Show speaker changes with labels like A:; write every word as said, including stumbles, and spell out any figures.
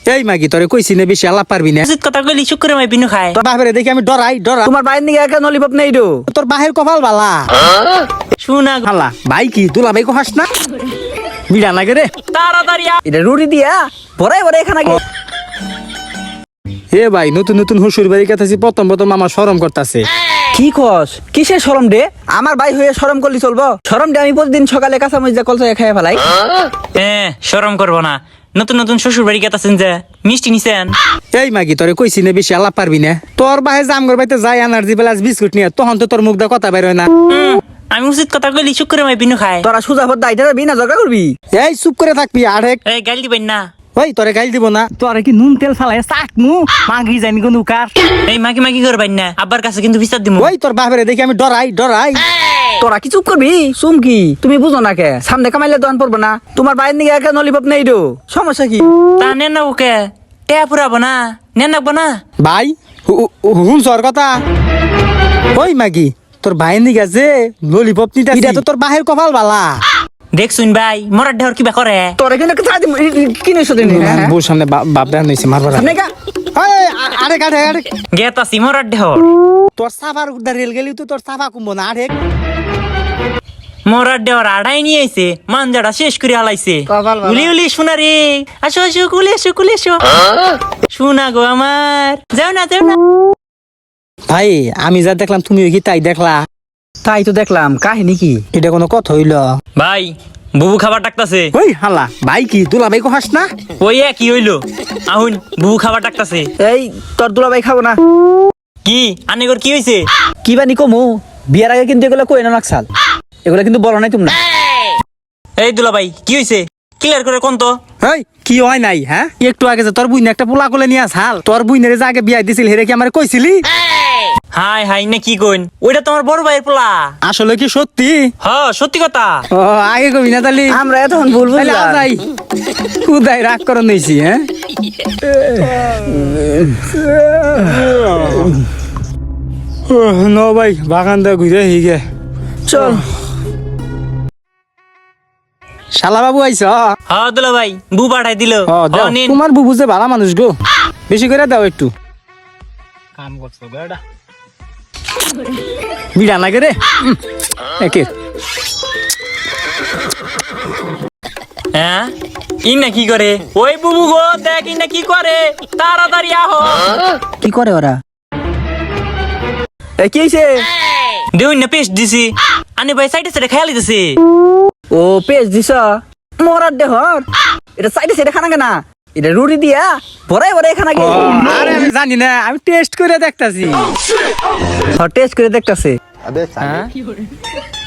A: এই মাগি তোরে কইছি না বেশি আলাপ পারবি না।
B: উচিত কথা কইলি চুপ করে মাই বিনু খায়।
A: তোর বাপরে দেখি আমি ডরাই ডরা।
C: তোমার বাইর নিকে একা ললিপপ নেই ডো।
A: তোর বাহের কপাল বালা।
B: শুনা
A: হালা ভাই কি দুলা ভাই কো হাস না বিড়া লাগে রে।
B: তাড়াতাড়ি আ।
C: এটা রুটি দিয়া ভরাই ভরাই এখানে আগে।
A: এ ভাই নতুন নতুন হুশুর বাড়ি কাছে প্রথম প্রথম আমার শরম করতেছে।
C: কি কস কিসের শরম ডে? আমার ভাই হয়ে শরম করলি চলবো? শরম ডে আমি প্রতিদিন সকালে কাঁচা মরিচা কলসায় খাইয়া ফেলাই।
B: হ্যাঁ শরম করবো না। নতুন নতুন শ্বশুর বাড়ি গেতাছেন যে মিষ্টি নিছেন।
A: এই মাগি তোরে কইছি না বেশি আলাপ পারবি না। তোর বাহে জামগর বাইতে যাই এনার্জি প্লাস বিস্কুট নিয়ে তখন তো তোর মুখ দা কথা বের হয় না।
B: হুম, আমি উচিত কথা কইলি চুপ করে মাই বিনু খায়।
C: তোরা সুজা ভর দাইতে যাবি না ঝগড়া করবি?
A: এই চুপ করে থাকবি আরেক।
B: এই গাল দিবেন না।
A: ওই তোরে গাইল দিব না। তোরে কি নুন তেল ফালাই চাক নু মাগি জানি কোন কার।
B: এই মাগি মাগি করবেন না, আব্বার কাছে কিন্তু বিচার দিমু।
A: ওই তোর বাপরে দেখি আমি ডরাই ডরাই।
C: তোরা কি চুপ করবি? চুমকি তুমি বুঝো না কে? সামনে কামাইলে দোকান পড়বো না। তোমার বাইর নিকে একা ললিপপ নেই ডো। সমস্যা কি?
B: তা নেন না ওকে টেয়া পুরাবো না, নেন নাকবো না।
A: ভাই হুন সর কথা। ওই মাগি তোর ভাইয়ের দিকে আছে ললিপপ নিতে এটা তো তোর বাহের কপাল বালা।
B: দেখছুন ভাই মরার ঢেউর কিবা করে।
C: তোরা কিন্তু একটা চাই কিনে এসো দিন।
A: বউর সামনে বাপ দেন হইছে মারবার।
C: সামনে কা
A: আরে কাটে আরে
B: গেতাছি মরার ঢেউর।
A: তোর সাফার উদ্ধার রেল গেলি তো তোর সাফা কুম্বো না আরে।
B: মরার ঢেউর আড়াই নিয়ে আইছে, মানজাটা শেষ করে হালাইছে।
C: কপাল বালা।
B: উলি উলি শোনা রে, আসো আসো কুলে এসো কুলে এসো। শোনা গো আমার, যাও না যাও না।
A: ভাই আমি যা দেখলাম তুমিও কি তাই দেখলা?
C: তাই তো দেখলাম, কাহিনী কি?
A: এটা কোনো কথা হইল?
B: ভাই বুবু খাবার ডাকতাছে।
A: ওই হালা ভাই কি দুলা ভাই কো হাস না?
B: ওই কি হইলো? আহুন বুবু খাবার ডাকতাছে।
C: এই তোর দুলাভাই খাবো না।
B: কি আনেগর কি হইছে?
C: কি বানি কমু? বিয়ার আগে কিন্তু এগুলো কই না নাকসাল। এগুলো কিন্তু বলো নাই তোমরা।
B: এই দুলা ভাই কি হইছে? ক্লিয়ার করে কোন তো।
A: এই কি হয় নাই হ্যাঁ? একটু আগে যে তোর বুইনে একটা পোলা কোলে নিয়ে আসাল তোর বুইনের যে আগে বিয়া দিছিল হেরে কি আমারে কইছিলি?
B: হাই হাই না কি কইন? ওইটা তোমার বড় ভাইয়ের পোলা।
A: আসলে কি সত্যি?
B: হ্যাঁ সত্যি কথা।
A: ও আগে কবি না তালি।
C: আমরা এতক্ষণ ভুল
A: তাহলে
C: বুঝলাম।
A: আজাই খুদাই রাগ করে নিয়েছি হ্যাঁ। নো ভাই বাগান দা ঘুরে হিগে
C: চল
A: শালা বাবু আইছ?
B: হ্যাঁ দুলা ভাই বু পাঠাই দিল।
A: ও দাও
B: নিন।
A: তোমার বুবু যে ভালো মানুষ গো, বেশি করে দাও একটু। কাম করছো বেটা বিড়া লাগে রে একে।
B: হ্যাঁ ইন্না কি করে? ওই বুবু গো দেখ ইন্না কি করে, তাড়াতাড়ি আহো।
C: কি করে ওরা? এ কি হইছে?
B: দেউন না পেস্ট দিছি। আনি ভাই সাইডে সাইডে খেয়ালি দিছি।
C: ও পেজ দিছ মরার দেহর। এটা সাইডে সাইডে খানা কেনা? এটা রুটি দিয়া ভরাই ভরাই খানা কে?
A: আরে আমি জানি না, আমি টেস্ট করে দেখতাছি।
C: টেস্ট করে দেখতাছে।
A: হ্যাঁ